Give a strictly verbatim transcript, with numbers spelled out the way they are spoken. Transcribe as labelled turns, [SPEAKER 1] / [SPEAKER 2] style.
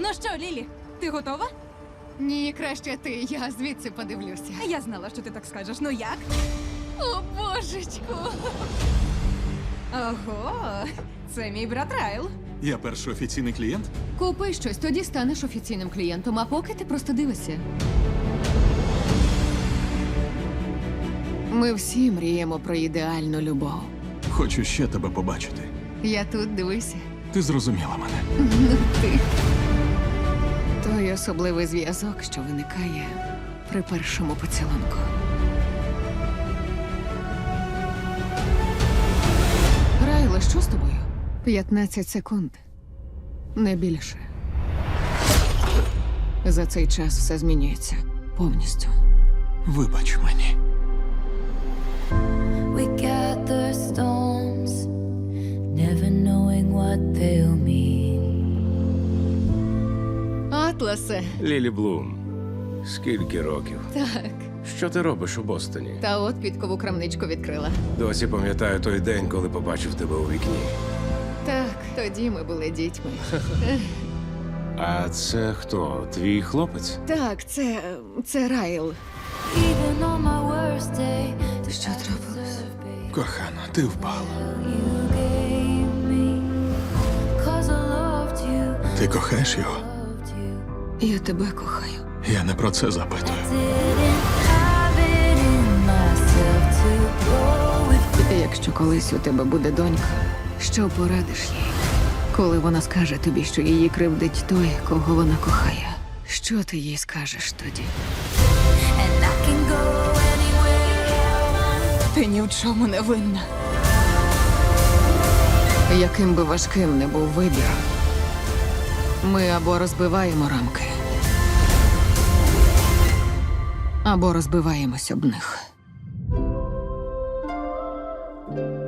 [SPEAKER 1] Ну що, Лілі, ти готова?
[SPEAKER 2] Ні, краще ти, я звідси подивлюся.
[SPEAKER 1] Я знала, що ти так скажеш. Ну як?
[SPEAKER 2] О, божечку!
[SPEAKER 1] Ого, це мій брат Райл.
[SPEAKER 3] Я перший офіційний клієнт?
[SPEAKER 2] Купи щось, тоді станеш офіційним клієнтом, а поки ти просто дивишся. Ми всі мріємо про ідеальну любов.
[SPEAKER 3] Хочу ще тебе побачити.
[SPEAKER 2] Я тут, дивися.
[SPEAKER 3] Ти зрозуміла мене.
[SPEAKER 2] Ну ти. Той особливий зв'язок, що виникає при першому поцілунку. Райле, що з тобою? п'ятнадцять секунд. Не більше. За цей час все змінюється. Повністю.
[SPEAKER 3] Вибач мені.
[SPEAKER 4] We gather storms, never knowing what they'll mean.
[SPEAKER 2] Атласе.
[SPEAKER 5] Лілі Блум, скільки років?
[SPEAKER 2] Так.
[SPEAKER 5] Що ти робиш у Бостоні?
[SPEAKER 2] Та от підкову крамничку відкрила.
[SPEAKER 5] Досі пам'ятаю той день, коли побачив тебе у вікні.
[SPEAKER 2] Так, тоді ми були дітьми.
[SPEAKER 5] А це хто? Твій хлопець?
[SPEAKER 2] Так, це. це Райл.
[SPEAKER 4] Even on my worst day, the
[SPEAKER 2] Що трапилось?
[SPEAKER 3] Кохана, ти впала.
[SPEAKER 4] you gave me. 'Cause I loved you,
[SPEAKER 3] Ти кохаєш його?
[SPEAKER 4] loved you.
[SPEAKER 2] Я тебе кохаю.
[SPEAKER 3] Я не про це запитую.
[SPEAKER 4] Didn't have it in myself to go with.
[SPEAKER 2] Якщо колись у тебе буде донька, що порадиш їй? Коли вона скаже тобі, що її кривдить той, кого вона кохає, що ти їй скажеш тоді?
[SPEAKER 4] And I can go anywhere.
[SPEAKER 1] Ти ні в чому не винна.
[SPEAKER 2] Яким би важким не був вибір, ми або розбиваємо рамки, або розбиваємось об них.